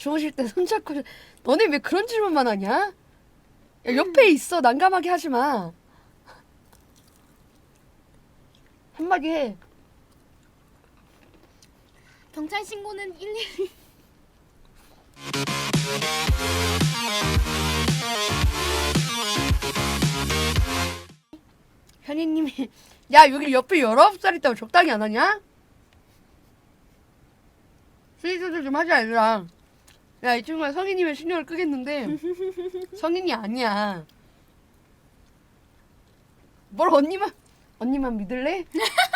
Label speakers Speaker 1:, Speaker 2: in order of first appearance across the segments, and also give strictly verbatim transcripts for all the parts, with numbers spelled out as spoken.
Speaker 1: 주무실 때 손잡고 너네 왜 그런 질문만 하냐? 야, 옆에 있어. 난감하게 하지 마. 한마디 해.
Speaker 2: 경찰 신고는 일일이.
Speaker 1: 현이님이 야 여기 옆에 열아홉 살 있다고 적당히 안 하냐? 수위 조절 좀 하자 얘들아. 야 이 친구가 성인이면 신경을 끄겠는데 성인이 아니야. 뭘 언니만 언니만 믿을래?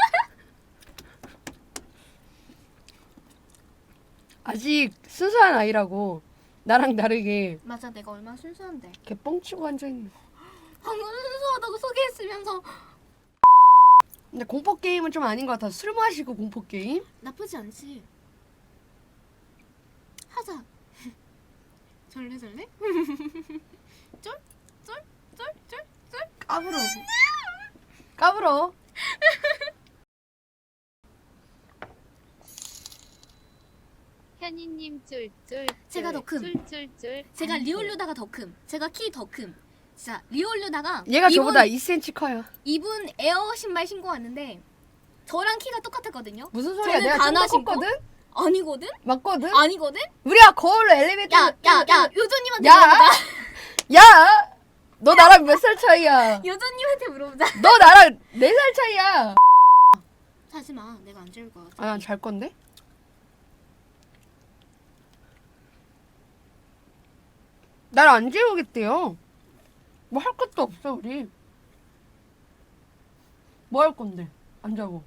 Speaker 1: 아직 순수한 아이라고. 나랑 다르게
Speaker 2: 맞아, 내가 얼마나 순수한데.
Speaker 1: 걔 뻥치고 앉아있네.
Speaker 2: 방금 순수하다고 소개했으면서.
Speaker 1: 근데 공포게임은 좀 아닌 것 같아. 술 마시고 공포게임?
Speaker 2: 나쁘지 않지. 하자. 절레절레? 쫄? 쫄? 쫄? 쫄? 쫄?
Speaker 1: 까불어. 까불어.
Speaker 3: 현이님 쫄쫄
Speaker 2: 제가 더 큼.
Speaker 3: 쫄쫄쫄
Speaker 2: 제가 리올류다가 더 큼. 제가 키 더 큼. 진짜 리올류다가
Speaker 1: 얘가
Speaker 2: 이분,
Speaker 1: 저보다 이 센티미터 커요.
Speaker 2: 이분 에어 신발 신고 왔는데 저랑 키가 똑같았거든요.
Speaker 1: 무슨 소리야?
Speaker 2: 저는
Speaker 1: 내가
Speaker 2: 가나
Speaker 1: 좀 컸거든?
Speaker 2: 아니거든?
Speaker 1: 맞거든?
Speaker 2: 아니거든?
Speaker 1: 우리가 거울로 엘리베이터
Speaker 2: 야, 야, 야, 요조님한테
Speaker 1: 야!
Speaker 2: 물어보자.
Speaker 1: 야! 너 나랑 몇 살 차이야?
Speaker 2: 요조님한테 물어보자.
Speaker 1: 너 나랑 네 살 차이야.
Speaker 2: 하지 마. 내가 안 재울 거야.
Speaker 1: 아, 난 잘 건데? 날 안 재우겠대요. 뭐 할 것도 없어, 우리. 뭐 할 건데? 안 자고.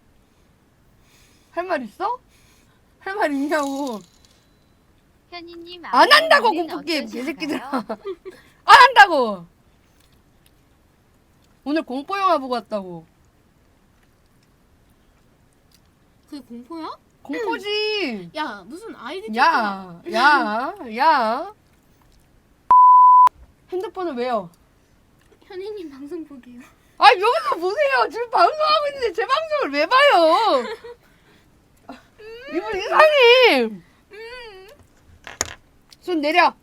Speaker 1: 할 말 있어? 할 말 있냐고.
Speaker 3: 현이님
Speaker 1: 안 한다고,
Speaker 3: 아이는
Speaker 1: 공포게임,
Speaker 3: 어떠신가요?
Speaker 1: 개새끼들아. 안 한다고! 오늘 공포영화 보고 왔다고.
Speaker 2: 그게 공포야?
Speaker 1: 공포지!
Speaker 2: 야, 무슨 아이디
Speaker 1: 야, 야, 야. 핸드폰을 왜요?
Speaker 2: 현이님 방송 보게요.
Speaker 1: 아, 여기서 보세요. 지금 방송하고 있는데 제 방송을 왜 봐요? 이분 이상해. 손 내려.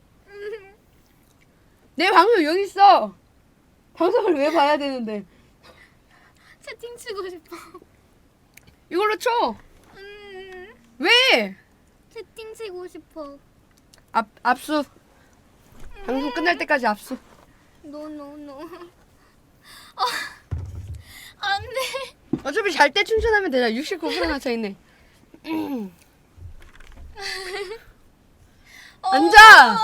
Speaker 1: 내 방송 여기 있어. 방송을 왜 봐야 되는데?
Speaker 2: 채팅 치고 싶어.
Speaker 1: 이걸로 쳐.
Speaker 2: 음,
Speaker 1: 왜?
Speaker 2: 채팅 치고 싶어.
Speaker 1: 압, 압수. 방송 끝날 때까지 압수.
Speaker 2: 노노노. 아, 안 돼.
Speaker 1: 어차피 잘 때 충전하면 되잖아. 육십구 퍼센트나 차 있네. 앉아.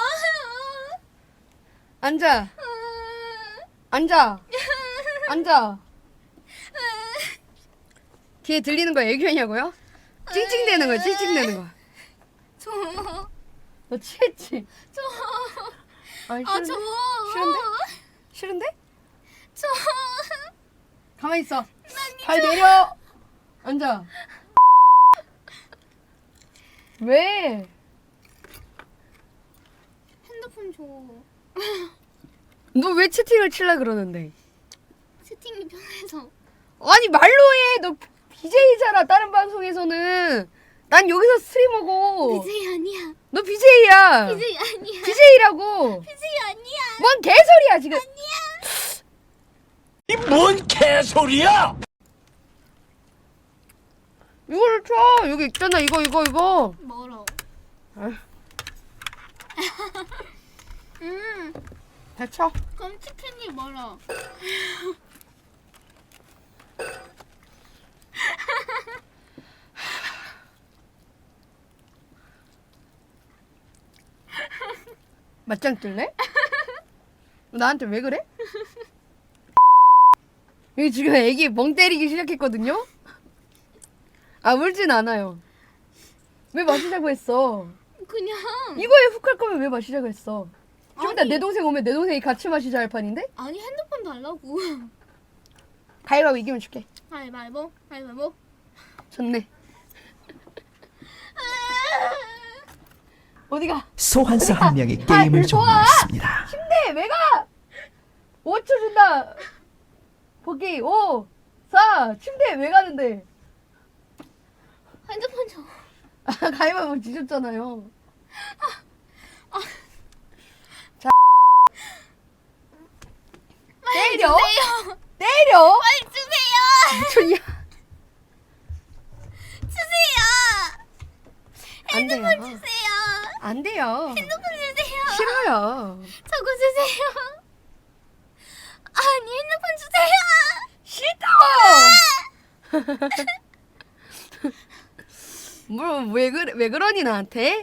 Speaker 1: 앉아. 앉아. 앉아. 뒤에 들리는 거 애교냐고요? 찡찡대는 거야. 찡찡대는 거.
Speaker 2: 저,
Speaker 1: 너 취했지?
Speaker 2: 저,
Speaker 1: 아니,
Speaker 2: 아,
Speaker 1: 싫은데?
Speaker 2: 저.
Speaker 1: 싫은데? 싫은데?
Speaker 2: 저.
Speaker 1: 가만히 있어. 발 내려. 앉아. 왜?
Speaker 2: 핸드폰 줘.
Speaker 1: 너 왜 채팅을 칠라 그러는데?
Speaker 2: 채팅이 편해서.
Speaker 1: 아니 말로 해. 너 비제이잖아. 다른 방송에서는. 난 여기서 스트리머고.
Speaker 2: 비제이 아니야.
Speaker 1: 너 비제이야.
Speaker 2: 비제이 아니야.
Speaker 1: 비제이라고.
Speaker 2: 비제이 아니야.
Speaker 1: 뭔 개소리야 지금.
Speaker 4: 이 뭔 개소리야!
Speaker 1: 이거를 쳐. 여기 있잖아. 이거 이거 이거.
Speaker 2: 멀어.
Speaker 1: 아휴.
Speaker 2: 음,
Speaker 1: 대쳐.
Speaker 2: 그럼 치킨이 멀어.
Speaker 1: 맞짱 뜰래? 나한테 왜 그래? 여기 지금 애기 멍 때리기 시작했거든요? 아 울진 않아요. 왜 마시자고 했어?
Speaker 2: 그냥.
Speaker 1: 이거에 훅 할 거면 왜 마시자고 했어? 좀 이따
Speaker 2: 아니.
Speaker 1: 내 동생 오면 내 동생이 같이 마시자 할 판인데?
Speaker 2: 아니, 핸드폰 달라고.
Speaker 1: 가위바위보 이기면 줄게.
Speaker 2: 가위바위보, 가위바위보.
Speaker 1: 좋네. 어디가?
Speaker 5: 소환사 한 명이
Speaker 1: 아,
Speaker 5: 게임을
Speaker 1: 좋아.
Speaker 5: 종료했습니다.
Speaker 1: 침대 왜 가? 오 초 준다. 보기 오, 사, 침대 왜 가는데?
Speaker 2: 핸드폰 줘.
Speaker 1: 아, 가위바위보 지셨잖아요. 자, 때려?
Speaker 2: 주세요.
Speaker 1: 때려?
Speaker 2: 빨리 주세요.
Speaker 1: 미쳤냐?
Speaker 2: 주세요.
Speaker 1: 안 돼요.
Speaker 2: 주세요.
Speaker 1: 안 돼요.
Speaker 2: 핸드폰 주세요.
Speaker 1: 싫어요.
Speaker 2: 저거 주세요. 아니 핸드폰 주세요.
Speaker 1: 싫다고. 뭐왜 그래 왜 그러니 나한테?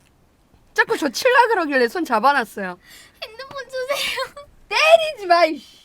Speaker 1: 자꾸 저 칠라 그러길래 손 잡아놨어요.
Speaker 2: 핸드폰 주세요.
Speaker 1: 때리지 마. 이씨.